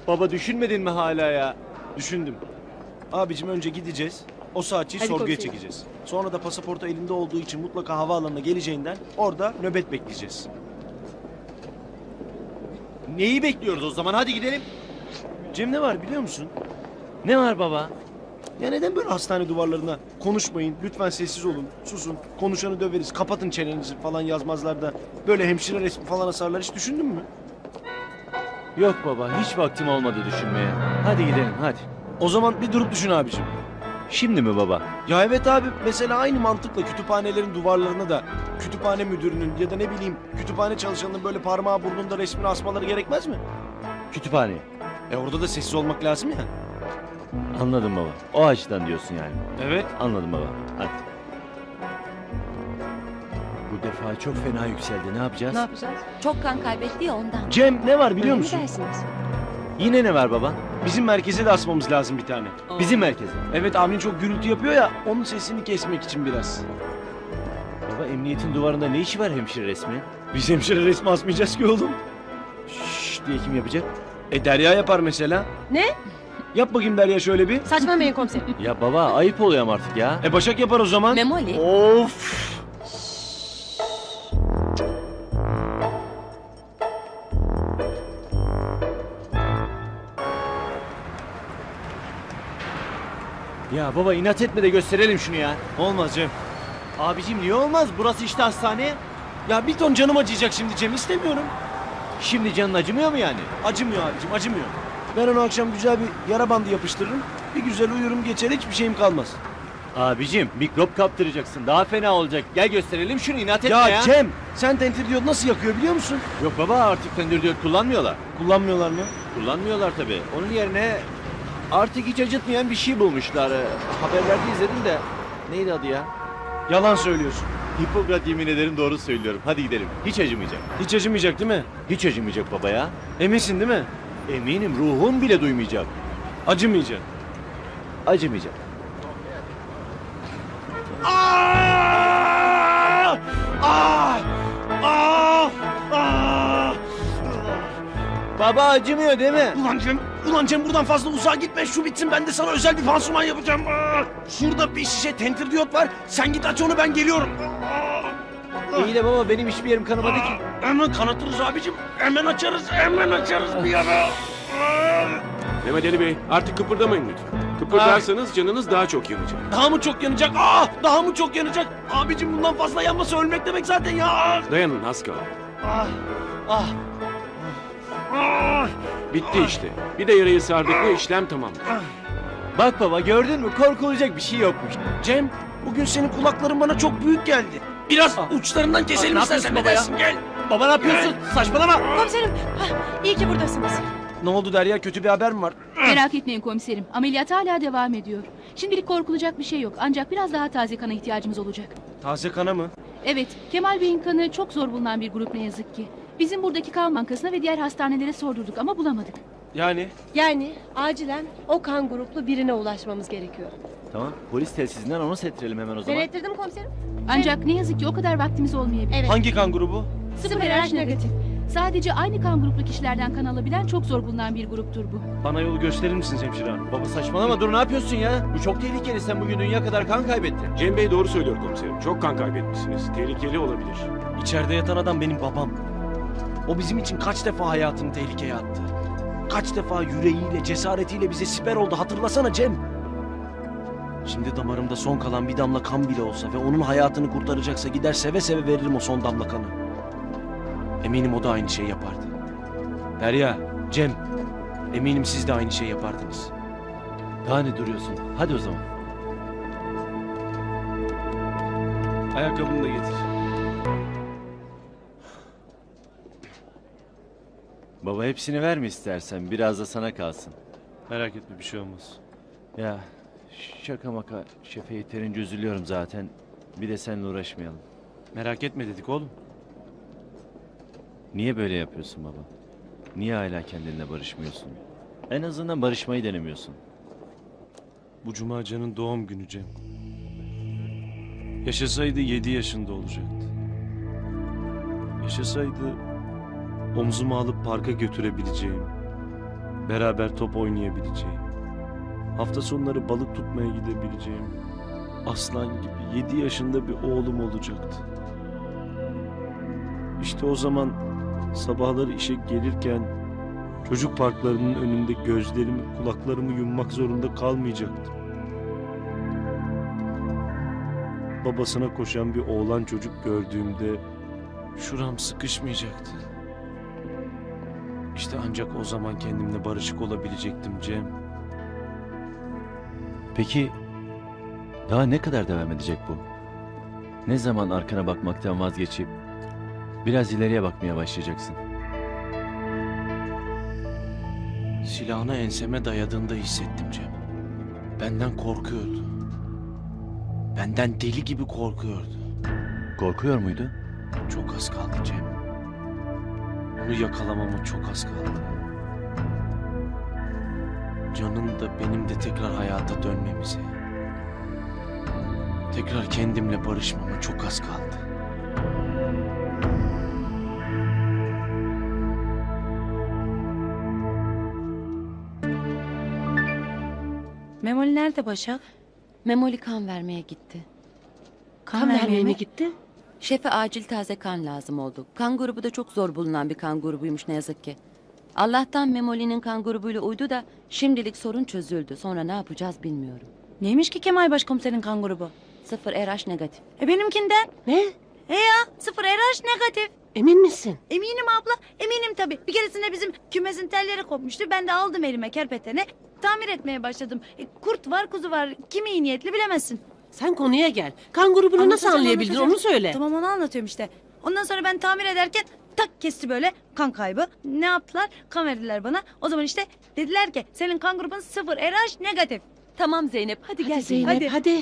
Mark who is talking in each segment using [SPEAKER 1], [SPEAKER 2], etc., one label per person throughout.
[SPEAKER 1] Baba düşünmedin mi hala ya?
[SPEAKER 2] Düşündüm. Abicim önce gideceğiz. O saatçiyi
[SPEAKER 3] Hadi
[SPEAKER 2] sorguya
[SPEAKER 3] komiserim.
[SPEAKER 2] çekeceğiz. Sonra da pasaportu elinde olduğu için mutlaka havaalanına geleceğinden orada nöbet bekleyeceğiz.
[SPEAKER 1] Neyi bekliyoruz o zaman? Hadi gidelim.
[SPEAKER 2] Cem ne var biliyor musun?
[SPEAKER 1] Ne var baba?
[SPEAKER 2] Ya neden böyle hastane duvarlarına konuşmayın, lütfen sessiz olun, susun, konuşanı döveriz, kapatın çenenizi falan yazmazlar da böyle hemşire resmi falan asarlar, hiç düşündün mü?
[SPEAKER 1] Yok baba, hiç vaktim olmadı düşünmeye. Hadi gidelim, hadi.
[SPEAKER 2] O zaman bir durup düşün abicim.
[SPEAKER 1] Şimdi mi baba?
[SPEAKER 2] Ya evet abi, mesela aynı mantıkla kütüphanelerin duvarlarına da kütüphane müdürünün ya da ne bileyim kütüphane çalışanının böyle parmağı burnunda resmini asmaları gerekmez mi?
[SPEAKER 1] Kütüphaneye.
[SPEAKER 2] Orada da sessiz olmak lazım ya.
[SPEAKER 1] Anladım baba. O açıdan diyorsun yani.
[SPEAKER 2] Evet.
[SPEAKER 1] Anladım baba. Hadi. Bu defa çok fena yükseldi. Ne yapacağız?
[SPEAKER 3] Ne yapacağız?
[SPEAKER 4] Çok kan kaybetti ya ondan.
[SPEAKER 2] Cem ne var biliyor
[SPEAKER 3] Öyle mi
[SPEAKER 2] musun?
[SPEAKER 3] dersiniz?
[SPEAKER 1] Yine ne var baba?
[SPEAKER 2] Bizim merkeze de asmamız lazım bir tane.
[SPEAKER 1] Bizim merkeze.
[SPEAKER 2] Evet, abin çok gürültü yapıyor ya, onun sesini kesmek için biraz.
[SPEAKER 1] Baba emniyetin duvarında ne işi var hemşire resmi?
[SPEAKER 2] Biz hemşire resmi asmayacağız ki oğlum.
[SPEAKER 1] Şşş diye kim yapacak?
[SPEAKER 2] Derya yapar mesela.
[SPEAKER 3] Ne?
[SPEAKER 2] Yap bakayım Derya şöyle bir.
[SPEAKER 3] Saçmalamayın komiserim.
[SPEAKER 1] Ya baba ayıp oluyor ama artık ya.
[SPEAKER 2] Başak yapar o zaman.
[SPEAKER 4] Memoli.
[SPEAKER 2] Of.
[SPEAKER 1] Ya baba inat etme de gösterelim şunu ya.
[SPEAKER 2] Olmaz Cem.
[SPEAKER 1] Abicim niye olmaz? Burası işte hastane.
[SPEAKER 2] Ya bir ton canım acıyacak şimdi Cem, istemiyorum.
[SPEAKER 1] Şimdi canın acımıyor mu yani?
[SPEAKER 2] Acımıyor abicim, acımıyor. Ben onu akşam güzel bir yara bandı yapıştırırım. Bir güzel uyurum geçer, hiçbir şeyim kalmaz.
[SPEAKER 1] Abicim mikrop kaptıracaksın. Daha fena olacak. Gel gösterelim şunu inat etme ya.
[SPEAKER 2] Ya Cem, sen tentir diyot nasıl yakıyor biliyor musun?
[SPEAKER 1] Yok baba artık tendür diyot kullanmıyorlar.
[SPEAKER 2] Kullanmıyorlar mı?
[SPEAKER 1] Kullanmıyorlar tabii. Onun yerine artık hiç acıtmayan bir şey bulmuşlar. Haberlerde izledim de. Neydi adı ya?
[SPEAKER 2] Yalan söylüyorsun.
[SPEAKER 1] Hipokrat yemin ederim doğru söylüyorum. Hadi gidelim. Hiç acımayacak.
[SPEAKER 2] Hiç acımayacak değil mi?
[SPEAKER 1] Hiç acımayacak baba ya.
[SPEAKER 2] Eminsin değil mi?
[SPEAKER 1] Eminim ruhum bile duymayacak.
[SPEAKER 2] Acımayacak.
[SPEAKER 1] Acımayacak. Baba acımıyor değil mi?
[SPEAKER 2] Ulan Cem buradan fazla uzağa gitme, şu bitsin, ben de sana özel bir pansuman yapacağım. Şurada bir şişe tentir diyot var, sen git aç onu, ben geliyorum.
[SPEAKER 1] İyi de baba benim hiçbir yerim kanamadı ki.
[SPEAKER 2] Hemen kanatırız abicim, hemen açarız bir ara.
[SPEAKER 5] Mehmet Ali Bey artık kıpırdamayın lütfen. Kıpırdarsanız canınız daha çok yanacak.
[SPEAKER 2] Daha mı çok yanacak? Daha mı çok yanacak? Abicim bundan fazla yanması ölmek demek zaten ya.
[SPEAKER 5] Dayanın az kaldı.
[SPEAKER 2] Ah, ah.
[SPEAKER 5] Bitti işte. Bir de yarayı sardık mı işlem tamamdır.
[SPEAKER 1] Bak baba gördün mü korkulacak bir şey yokmuş.
[SPEAKER 2] Cem, bugün senin kulakların bana çok büyük geldi. Biraz uçlarından keselim
[SPEAKER 1] ne
[SPEAKER 2] istersen, ne
[SPEAKER 1] yapıyorsun baba
[SPEAKER 2] dersin? Gel.
[SPEAKER 1] Baba ne yapıyorsun? Saçmalama.
[SPEAKER 3] Komiserim, iyi ki buradasınız.
[SPEAKER 2] Ne oldu Derya, kötü bir haber mi var?
[SPEAKER 6] Merak etmeyin komiserim. Ameliyat hala devam ediyor. Şimdilik korkulacak bir şey yok. Ancak biraz daha taze kana ihtiyacımız olacak.
[SPEAKER 2] Taze kana mı?
[SPEAKER 6] Evet, Kemal Bey'in kanı çok zor bulunan bir grup ne yazık ki. Bizim buradaki kan bankasına ve diğer hastanelere sordurduk ama bulamadık.
[SPEAKER 3] Yani acilen o kan gruplu birine ulaşmamız gerekiyor.
[SPEAKER 1] Tamam polis telsizinden onu settirelim hemen o
[SPEAKER 3] Ben
[SPEAKER 1] zaman.
[SPEAKER 3] ettirdim komiserim.
[SPEAKER 6] Ancak ne yazık ki o kadar vaktimiz olmayabilir.
[SPEAKER 3] Evet.
[SPEAKER 2] Hangi kan grubu?
[SPEAKER 6] Sıfır RH negatif. Sadece aynı kan gruplu kişilerden kan alabilen çok zor bulunan bir gruptur bu.
[SPEAKER 2] Bana yolu gösterir misiniz hemşire hanım?
[SPEAKER 1] Baba saçmalama dur ne yapıyorsun ya? Bu çok tehlikeli sen bugün dünya kadar kan kaybettin.
[SPEAKER 5] Cem Bey doğru söylüyor komiserim. Çok kan kaybetmişsiniz. Tehlikeli olabilir.
[SPEAKER 2] İçeride yatan adam benim babam. O bizim için kaç defa hayatını tehlikeye attı. Kaç defa yüreğiyle, cesaretiyle bize siper oldu, hatırlasana Cem. Şimdi damarımda son kalan bir damla kan bile olsa ve onun hayatını kurtaracaksa gider seve seve veririm o son damla kanı. Eminim o da aynı şey yapardı. Derya, Cem, eminim siz de aynı şey yapardınız.
[SPEAKER 1] Daha ne duruyorsun? Hadi o zaman.
[SPEAKER 2] Ayakkabını da getir.
[SPEAKER 1] Baba hepsini verme istersen biraz da sana kalsın.
[SPEAKER 2] Merak etme, bir şey olmaz.
[SPEAKER 1] Ya şaka maka şefe yeterince üzülüyorum zaten. Bir de seninle uğraşmayalım.
[SPEAKER 2] Merak etme dedik oğlum.
[SPEAKER 1] Niye böyle yapıyorsun baba? Niye hala kendinle barışmıyorsun? En azından barışmayı denemiyorsun.
[SPEAKER 2] Bu cuma Can'ın doğum günü Cem. Yaşasaydı 7 yaşında olacaktı. Yaşasaydı omzuma alıp parka götürebileceğim, Beraber top oynayabileceğim. Hafta sonları balık tutmaya gidebileceğim. Aslan gibi 7 yaşında bir oğlum olacaktı. İşte o zaman sabahları işe gelirken çocuk parklarının önünde gözlerimi, kulaklarımı yummak zorunda kalmayacaktım. Babasına koşan bir oğlan çocuk gördüğümde şuram sıkışmayacaktı. İşte ancak o zaman kendimle barışık olabilecektim Cem.
[SPEAKER 1] Peki daha ne kadar devam edecek bu? Ne zaman arkana bakmaktan vazgeçip biraz ileriye bakmaya başlayacaksın?
[SPEAKER 2] Silahını enseme dayadığında hissettim Cem. Benden korkuyordu. Benden deli gibi korkuyordu.
[SPEAKER 1] Korkuyor muydu?
[SPEAKER 2] Çok az kaldı Cem. Onu yakalamama çok az kaldı. Can'ın da benim de tekrar hayata dönmemize, tekrar kendimle barışmama çok az kaldı.
[SPEAKER 4] Memoli nerede Başak? Memoli kan vermeye gitti.
[SPEAKER 3] Kan vermeye mi gitti?
[SPEAKER 4] Şefe acil taze kan lazım oldu. Kan grubu da çok zor bulunan bir kan grubuymuş ne yazık ki. Allah'tan Memoli'nin kan grubuyla uydu da şimdilik sorun çözüldü. Sonra ne yapacağız bilmiyorum.
[SPEAKER 7] Neymiş ki Kemal Başkomiserin kan grubu?
[SPEAKER 4] 0 RH negatif.
[SPEAKER 7] Benimkinden.
[SPEAKER 3] Ne?
[SPEAKER 7] Ya 0 RH negatif.
[SPEAKER 3] Emin misin?
[SPEAKER 7] Eminim abla, eminim tabii. Bir keresinde bizim kümesin telleri kopmuştu. Ben de aldım elime kerpeteni. Tamir etmeye başladım. Kurt var, kuzu var. Kimi iyi niyetli bilemezsin.
[SPEAKER 3] Sen konuya gel. Kan grubunu nasıl
[SPEAKER 7] Anlatacağım,
[SPEAKER 3] anlayabildin
[SPEAKER 7] anlatacağım.
[SPEAKER 3] onu söyle.
[SPEAKER 7] Tamam onu anlatıyorum işte. Ondan sonra ben tamir ederken tak kesti böyle kan kaybı. Ne yaptılar? Kan verdiler bana. O zaman işte dediler ki senin kan grubun 0 RH negatif.
[SPEAKER 4] Tamam Zeynep hadi,
[SPEAKER 3] Hadi
[SPEAKER 4] gel
[SPEAKER 3] Zeynep hadi.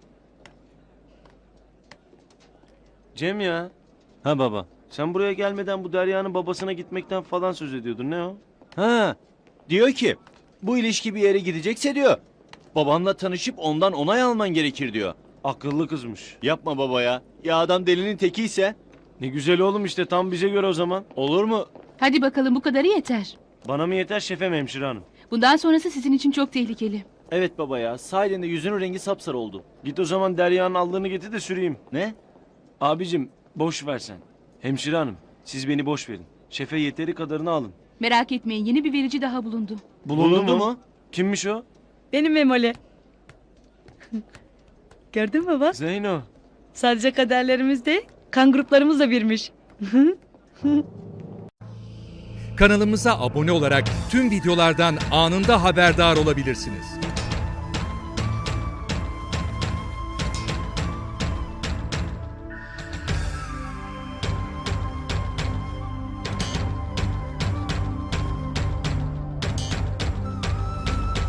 [SPEAKER 2] Cem ya. Ha baba. Sen buraya gelmeden bu Derya'nın babasına gitmekten falan söz ediyordun. Ne o?
[SPEAKER 1] Ha, diyor ki bu ilişki bir yere gidecekse diyor. Babamla tanışıp ondan onay alman gerekir diyor.
[SPEAKER 2] Akıllı kızmış.
[SPEAKER 1] Yapma baba ya. Ya adam delinin tekiyse
[SPEAKER 2] Ne güzel oğlum işte tam bize göre o zaman.
[SPEAKER 1] olur mu?
[SPEAKER 6] Hadi bakalım bu kadarı yeter.
[SPEAKER 2] Bana mı yeter şefem hemşire hanım?
[SPEAKER 6] Bundan sonrası sizin için çok tehlikeli.
[SPEAKER 1] Evet baba ya. Sahiden de yüzünün rengi sapsarı oldu.
[SPEAKER 2] Git o zaman Derya'nın allığını getir de süreyim.
[SPEAKER 1] Ne?
[SPEAKER 2] Abicim boş ver sen. Hemşire hanım siz beni boş verin. Şefe yeteri kadarını alın.
[SPEAKER 6] Merak etmeyin yeni bir verici daha bulundu.
[SPEAKER 1] Bulundu mu?
[SPEAKER 2] Kimmiş o?
[SPEAKER 7] Benim Memoli. Gördün mü bak?
[SPEAKER 2] Zeyno.
[SPEAKER 7] Sadece kaderlerimiz değil, kan gruplarımız da birmiş.
[SPEAKER 8] Kanalımıza abone olarak tüm videolardan anında haberdar olabilirsiniz.